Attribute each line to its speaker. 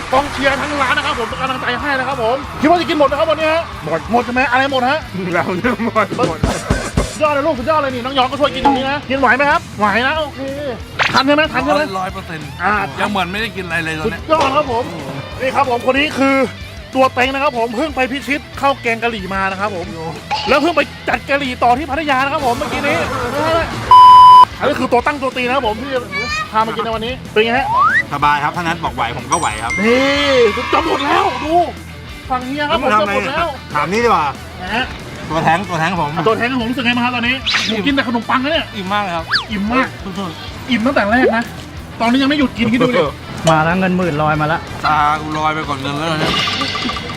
Speaker 1: กองเชียร์ทั้งร้านนะครับผมเป็นกำลังใจให้นะครับผมคิดว่าจะกินหมดนะครับวันนี้ฮะหมดใช่ไหมอะไรหมดฮะ
Speaker 2: เราเนี่ยหมด
Speaker 1: ยอดเลยลูกสุดยอดเลยนี่น้องยองก็ช่วยกินตรงนี้นะกินไหวไหมครับไหวนะโอเคทันใช่ไหมทันใช่ไหม
Speaker 2: 100%ยังเหมือนไม่ได้กินอะไรเลยตอน
Speaker 1: สุด
Speaker 2: นี้
Speaker 1: ยอดครับผมนี่ครับผมคนนี้คือตัวเต็งนะครับผมเพิ่งไปพิชิตเข้าแกงกะหรี่มานะครับผมแล้วเพิ่งไปจัดกะหรี่ต่อที่พัทยานะครับผมเมื่อกี้นี้อันนี้คือตัวตั้งตัวตีนะครับผมที่พามากินในวันนี้เป็นไงฮะ
Speaker 2: สบายครับถ้านัทบอกไหวผมก็ไหวครับ
Speaker 1: นี่จะหมดแล้วดูฝั่งเฮียครับผมจะหมดแล้ว
Speaker 2: ถามนี่ดีกว่า
Speaker 1: นะฮะ
Speaker 2: ตัวแท้งผม
Speaker 1: ตัวแทนของผมรู้สึกไงบ้างครับตอนนี้ผมกินแต่ขนมปังนะเนี่ย
Speaker 2: อิ่มมากเลยครับ
Speaker 1: อิ่มมากอิ่มตั้งแต่แรกนะตอนนี้ยังไม่หยุดกินคิดดูดิ
Speaker 3: มาแล้วเงินหมื่นลอยมาแล้ว
Speaker 2: ตากูลอยไปก่อนเงินแล้วเนี่ย